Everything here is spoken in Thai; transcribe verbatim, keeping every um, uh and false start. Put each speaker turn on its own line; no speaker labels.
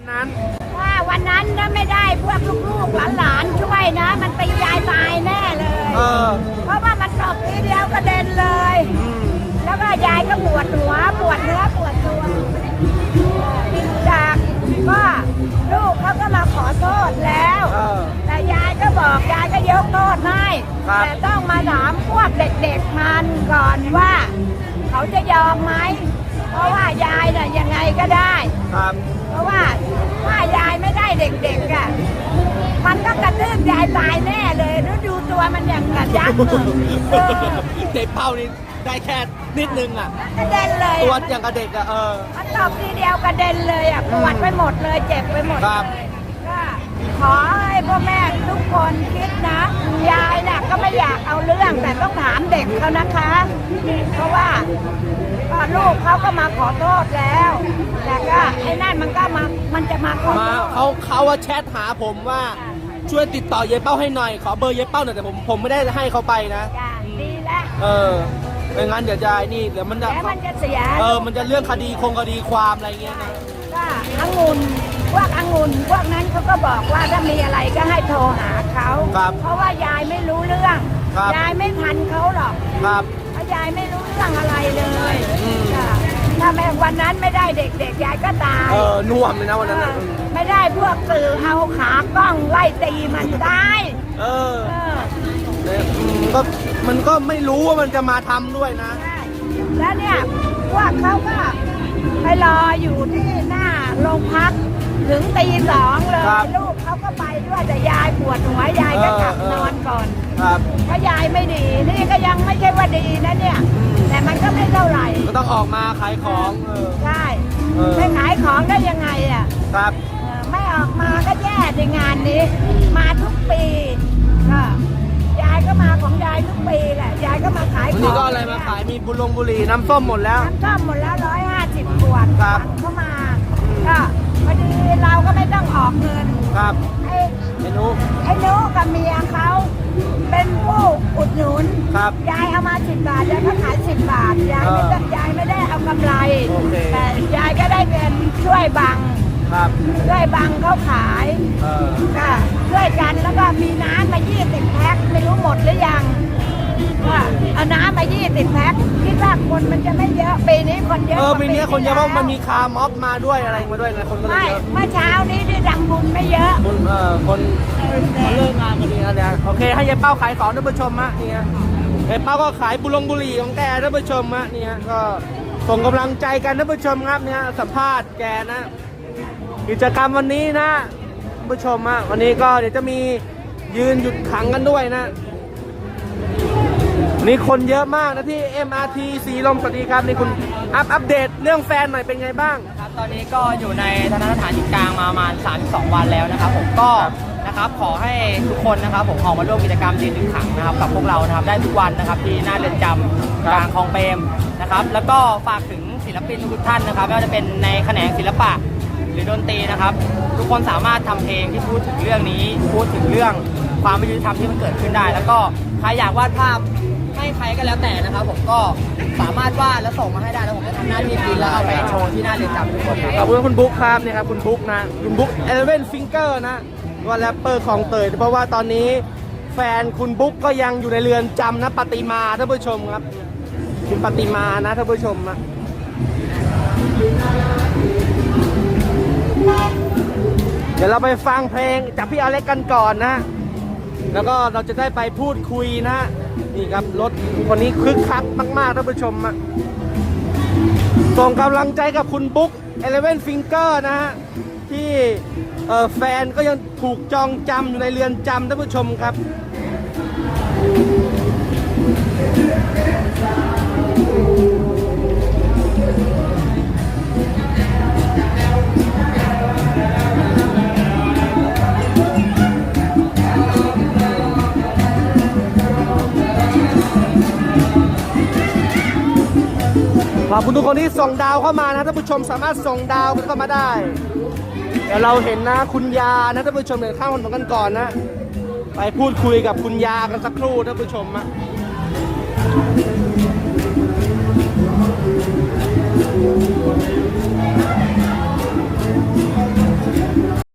นั้น
ว่าวันนั้นถ้าไม่ได้พวกลูกๆหลานๆช่วยนะ มันตียายตายแน่เลยเออเพราะว่ามันตบทีเดียวกระเด็นเลยแล้วก็ยายก็ปวดหัวปวดเนื้อปวดตัวจากก็ลูกเขาก็มาขอโทษแล้วแต่ยายก็บอกยายก็ยกโทษให้แต่ต้องมาถามพวกเด็กๆมันก่อนว่าเขาจะยอมไหมเพราะว่ายายน่ะยังไงก็ได้เพราะว่าถ้ายายไม่ได้เด็กๆอ่ะมันก็กระตืบยายตายแน่เลยแล้วดูตัวมันอย่างกระยักษ์
เด็กเป้านี่ได้แค่นิดนึงอ่ะ
กระเด็นเลย
ตัวอย่างกระเด็กอ่ะเออ
มันตบทีเดียวกระเด็นเลยอ่ะปวดไปหมดเลยเจ็บไปหมดเลยก็ขอให้พ่อแม่ทุกคนคิดนะยายน่ะก็ไม่อยากเอาเรื่องแต่ต้องถามเด็กเขานะคะเพราะว่าลูกเขาก็มาขอโทษแล้วแต่ก็ไอ้นั่นมันก็มามันจะมาขอโทษ
เขาเขาว่าแชทหาผมว่าช่วยติดต่อยายเป้าให้หน่อยขอเบอร์ยายเป้าหน่อยแต่ผมผมไม่ได้ให้เขาไปนะ
ดีแล้ว
เออไม่งั้นเดี๋ยวจะนี่เดี๋ยวมันจะ
มันจะเสีย
เออมันจะเรื่องคดีคงคดีความอะไรเงี้ยนะ
ก็องุ่นพวกองุ่นพวกนั้นเขาก็บอกว่าถ้ามีอะไรก็ให้โทรหาเขาเพราะว่ายายไม่รู้เรื่องยายไม่ทันเขาหรอก
ครับ
เพราะยายไม่รู้เรื่องอะไรเลยถ้าแม่วันนั้นไม่ได้เด็กๆยายก็ตาย
เออน่วมเลยนะวันนั้น
ไม่ได้พวกสื่อเอาขากล้องไล่ตีมันได้
เออก็มันก็ไม่รู้ว่ามันจะมาทำด้วยนะ
แล้วเนี่ยพวกเขาก็ไปรออยู่ที่หน้าโรงพักถึงตีสองเลยลูกเขาก็ไปด้วยแต่ยายปวดหัวยายก็กลับนอนก่อนเพราะยายไม่ดีนี่ก็ยังไม่ใช่ว่าดีนะเนี่ยแต่มันก็ไม่เท่าไหร่
ก็ต้องออกมาขายของ
ใช่ไม่ขายของได้ยังไงอ่ะ
ครับ
ไม่ออกมาก็แย่ในงานนี้มาทุกปีก็ยายก็มาของยายทุกปีแหละยายก็มาขายของ
นี่ก็อะไรมาขายมีบุลงบุหรี่น้ำส้มหมดแล้ว
น้ำส้มหมดแล้วร้อยห้าสิบขวดครับเข้ามาก็พอดีเราก็ไม่ต้องออกเงิน
ครับ
ไอ้
ไอ้นุ๊ก
ไอ้นุ๊กกับเมียเขาเป็นผู้อุดหนุน
ครับ
ยายเอามาสิบบาทยายก็ขายสิบบาทยายไม่ได้ยายไม่ได้เอากำไรแต่ยายก็ได้เงินช่วยบังช่วยบังเขาขายก็ช่วยกันแล้วก็มีน้ำมายี่สิบแพ็คไม่รู้หมดหรือยังว่าเอาน้ำมายี่สิบแพ็คคิดว่าคนมันจะไม่เยอะปีนี้คนเยอะ
เออปีนี้คนเยอะเพราะมันมีคาร์ม็อบมาด้วยอะไรมาด้วยคนก็เลยเยอะ
เมื่อเช้านี้ที่ดังบุญไม่เยอะ
คนเออคนเลิกงานกันนี่นะโอเคให้ยายเป้าขายของท่านผู้ชมฮะนี่ฮะยายเป้าก็ขายบุลงบุหรี่ของแกท่านผู้ชมฮะนี่ฮะก็ส่งกำลังใจกันท่านผู้ชมครับเนี่ยสัมภาษณ์แกนะกิจกรรมวันนี้นะผู้ชมฮะวันนี้ก็เดี๋ยวจะมียืนหยุดขังกันด้วยนะนี่คนเยอะมากนะที่ เอ็ม อาร์ ที สีลมสวัสดีครับนี่คุณอัปอัปเดตเรื่องแฟนหน่อยเป็นไงบ้าง
ครับตอนนี้ก็อยู่ในทันตสถานหญิงกลางมาประมาณสามสิบสองวันแล้วนะครับผมก็นะครับขอให้ทุกคนนะครับผมออกมาร่วมกิจกรรมยืนหยุดขังนะครับกับพวกเรานะครับได้ทุกวันนะครับที่หน้าเรือนจำกลางคลองเปรมนะครับแล้วก็ฝากถึงศิลปินทุกท่านนะครับไม่ว่าจะเป็นในแขนงศิลปะหรือดนตรีนะครับทุกคนสามารถทำเพลงที่พูดถึงเรื่องนี้พูดถึงเรื่องความไม่ยุติธรรมที่มันเกิดขึ้นได้แล้วก็ใครอยากวาดภาพให้ใครก็แล้วแต่นะครับผมก็สามารถวาดแล้วส่งมาให้ได้แล้วผมจะทำหน้าที่พิมพ์แล้วเอาไปโชว์ที่หน้าเรือนจำทุกคน
ขอบคุณคุณบุ๊คครับนี่ครับคุณบุ๊คนะคุณบุ๊คเอเลเว่นฟิงเกอร์นะว่าแรปเปอร์ของเตยเพราะว่าตอนนี้แฟนคุณบุ๊คก็ยังอยู่ในเรือนจำนะปฏิมาท่านผู้ชมครับคุณปฏิมานะท่านผู้ชมนะเดี๋ยวเราไปฟังเพลงจากพี่อเล็กกันก่อนนะแล้วก็เราจะได้ไปพูดคุยนะนี่ครับรถคนนี้คึกคักมากๆท่านผู้ชมอะส่งกำลังใจกับคุณบุ๊กเอเลเว่นฟิงเกอร์นะฮะที่แฟนก็ยังถูกจองจำอยู่ในเรือนจำท่านผู้ชมครับขอบคุณทุกคนที่ส่งดาวเข้ามานะท่านผู้ชมสามารถส่งดาวเข้ามาได้เดี๋ยวเราเห็นนะคุณยานะท่านผู้ชมเดี๋ยวข้ามคนกันก่อนนะไปพูดคุยกับคุณยากันสักครู่ท่านผู้ชมนะ